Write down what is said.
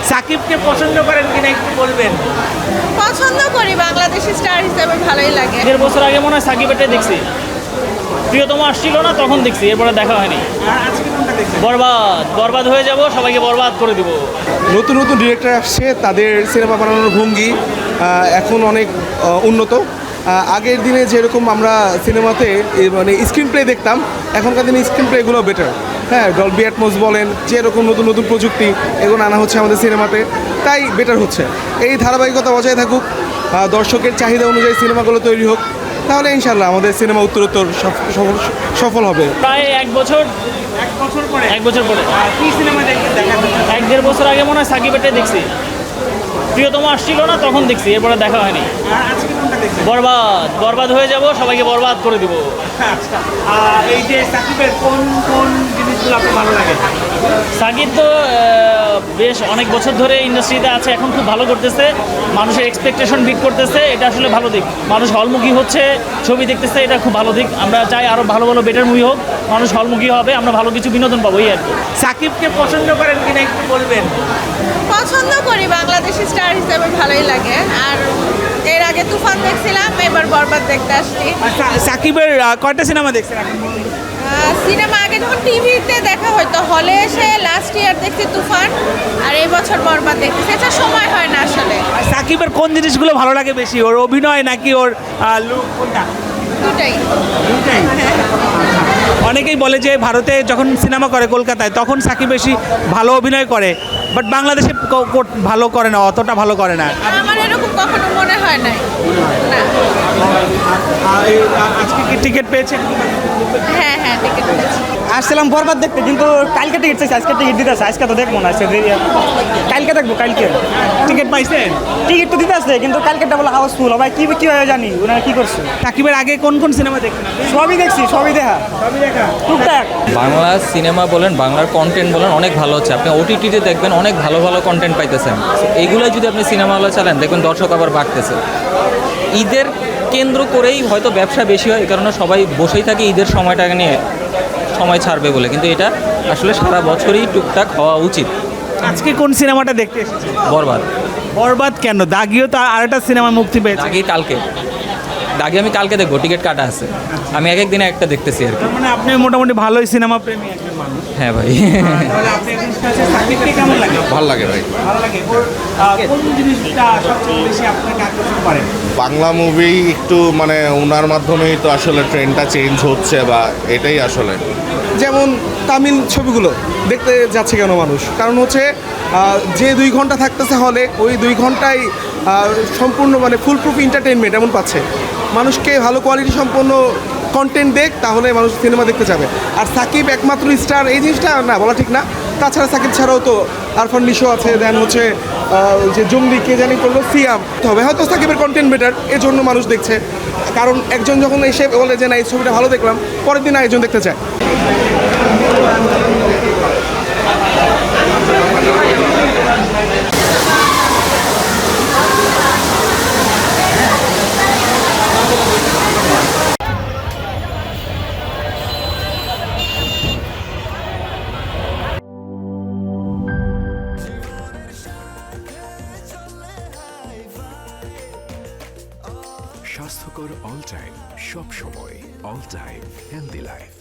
সাকিবকে পছন্দ করেন কিনা একটু বলবেন। পছন্দ করি, বাংলাদেশি স্টার হিসেবে ভালোই লাগে। 1.5 বছর আগে মনে হয় সাকিবেরটাই দেখছি, প্রিয়তম আসছিল না তখন দেখছি, এরপরে দেখা হয়নি। আর আজকে কোনটা দেখছেন? বরবাদ বরবাদ হয়ে যাব, সবাইকে বরবাদ করে দিব। নতুন নতুন ডিরেক্টর আসছে, তাদের সিনেমা বানানোর ভঙ্গি এখন অনেক উন্নত। আগের দিনে যেরকম আমরা সিনেমাতে মানে স্ক্রিন প্লে দেখতাম, এখনকার দিনে স্ক্রিন প্লেগুলো বেটার। হ্যাঁ, ডলবি অ্যাটমস বলেন, যেরকম নতুন নতুন প্রযুক্তি এগুলো আনা হচ্ছে আমাদের সিনেমাতে, তাই বেটার হচ্ছে। এই ধারাবাহিকতা বজায় থাকুক, দর্শকের চাহিদা অনুযায়ী সিনেমাগুলো তৈরি হোক, তাহলে ইনশাল্লাহ আমাদের সিনেমা উত্তরোত্তর সফল হবে। প্রায় 1 বছর পরে 1 বছর পরে কি সিনেমা দেখতে দেখা যাচ্ছে? 1.5 বছর আগে মনে হয় সাকিবেরটাই দেখছি, প্রিয়তম আসছিল না তখন দেখছি, এরপরে দেখা হয়নি। আর আজকে কোনটা দেখছেন? বরবাদ বরবাদ হয়ে যাব, সবাইকে বরবাদ করে দিব। আচ্ছা, এই যে সাকিবের কোন কোন জিনিসগুলো আপনার ভালো লাগে? সাকিব তো বেশ অনেক বছর ধরে ইন্ডাস্ট্রিতে আছে, এখন খুব ভালো করতেছে, মানুষের এক্সপেকটেশন বিট করতেছে, এটা আসলে ভালো দিক। মানুষ হলমুখী হচ্ছে, ছবি দেখতেছে, এটা খুব ভালো দিক। আমরা চাই আরও ভালো ভালো বেটার মুভি হোক, মানুষ হলমুখী হবে, আমরা ভালো কিছু বিনোদন পাবো, এই আর কি। সাকিবকে পছন্দ করেন কিনা একটু বলবেন। পছন্দ করি, বাংলাদেশি স্টার হিসেবে ভালোই লাগে। আর এর আগে তুফান দেখছিলাম, এবার বরবাদ দেখতে আসছি। সাকিবের কয়টা সিনেমা দেখছেন এখন? সিনেমা আগে যখন টিভিতে দেখা হয়তো, হলে এসে লাস্ট ইয়ার দেখছি তুফান, আর এই বছর বরবাদ দেখতেছি। এটা সময় হয় না আসলে। সাকিবের কোন জিনিসগুলো ভালো লাগে বেশি, ওর অভিনয় নাকি ওর লুক, কোনটা? দুটাই। অনেকেই বলে যে ভারতে যখন সিনেমা করে কলকাতায়, তখন সাকিব বেশি ভালো অভিনয় করে, বাট বাংলাদেশে ভালো করে না, অতটা ভালো করে না। আমার এরকম কখনো মনে হয় নাই। না। আজকে কি টিকিট পেয়েছেন? হ্যাঁ হ্যাঁ, টিকিট পেয়েছি। আসছিলাম বরবাদ দেখতে, কিন্তু কালকে টিকিট চাইছি, আজকে টিকিট দিতে আসছে, আজকে তো দেখবো না, কালকে দেখবো। কালকে টিকিট পাইছেন? টিকিট তো দিতে আসছে, কিন্তু কালকেটা বলে হাউসফুল। ভাই কি হয় জানি ওনারা কি করছে। সাকিবের আগে কোন কোন সিনেমা দেখছেন? সবই দেখছি, সবই দেখা, সবই দেখা। টুকটাক। বাংলা সিনেমা বলেন, বাংলার কন্টেন্ট বলেন, অনেক ভালো হচ্ছে। আপনি ওটিটিতে দেখবেন অনেক ভালো ভালো কন্টেন্ট পাইতেছেন। এইগুলো যদি আপনি সিনেমা হলে চালান, দেখবেন দর্শক আবার বাড়তেছে। ঈদের কেন্দ্র করেই হয়তো ব্যবসা বেশি হয়, এই কারণে সবাই বসেই থাকে ঈদের সময়টাকে নিয়ে, সময় ছাড়বে বলে। কিন্তু এটা আসলে সারা বছরই টুকটাক হওয়া উচিত। আজকে কোন সিনেমাটা দেখতে এসেছেন? বরবাদ। বরবাদ কেন? দাগিও তো আরেকটা সিনেমা মুক্তি পেয়েছে। দাগি আমি কালকে দেখবো, টিকিট কাটা আছে। আমি এক একদিনে একটা দেখতেছি আর কি। তার মানে আপনি মোটামুটি ভালোই সিনেমা প্রেমী একজন মানুষ। হ্যাঁ ভাই। তাহলে আপনি এখন কাছে সাকিবকে কেমন লাগে? ভালো লাগে ভাই। ভালো লাগে। ওর কোন জিনিসটা সবচেয়ে বেশি আপনাকে আকর্ষণ করে? বাংলা মুভি একটু মানে ওনার মাধ্যমেই তো আসলে ট্রেন্ডটা চেঞ্জ হচ্ছে, বা এটাই আসলে। যেমন তামিল ছবিগুলো দেখতে যাচ্ছে কেন মানুষ? কারণ হচ্ছে যে 2 ঘন্টা থাকতেছে হলে, ওই 2 ঘন্টায় সম্পূর্ণ মানে ফুল প্রুফ এন্টারটেনমেন্ট এমন পাচ্ছে। মানুষকে ভালো কোয়ালিটি সম্পন্ন কন্টেন্ট দেখ, তাহলে মানুষ সিনেমা দেখতে যাবে। আর সাকিব একমাত্র স্টার এই জিনিসটা না বলা ঠিক না। তাছাড়া সাকিব ছাড়াও তো আরফান নিশো আছে, দেন হচ্ছে যে জঙ্গলি কে জানি করলো সিয়াম হবে, হয়তো সাকিবের কন্টেন্ট বেটার, এজন্য মানুষ দেখছে। কারণ একজন যখন এসে বলে যে না এই ছবিটা ভালো দেখলাম, পরের দিন আরেকজন দেখতে চায়। স্বাস্থ্যকর অল টাইম, সব সময় অল টাইম হেলদি লাইফ।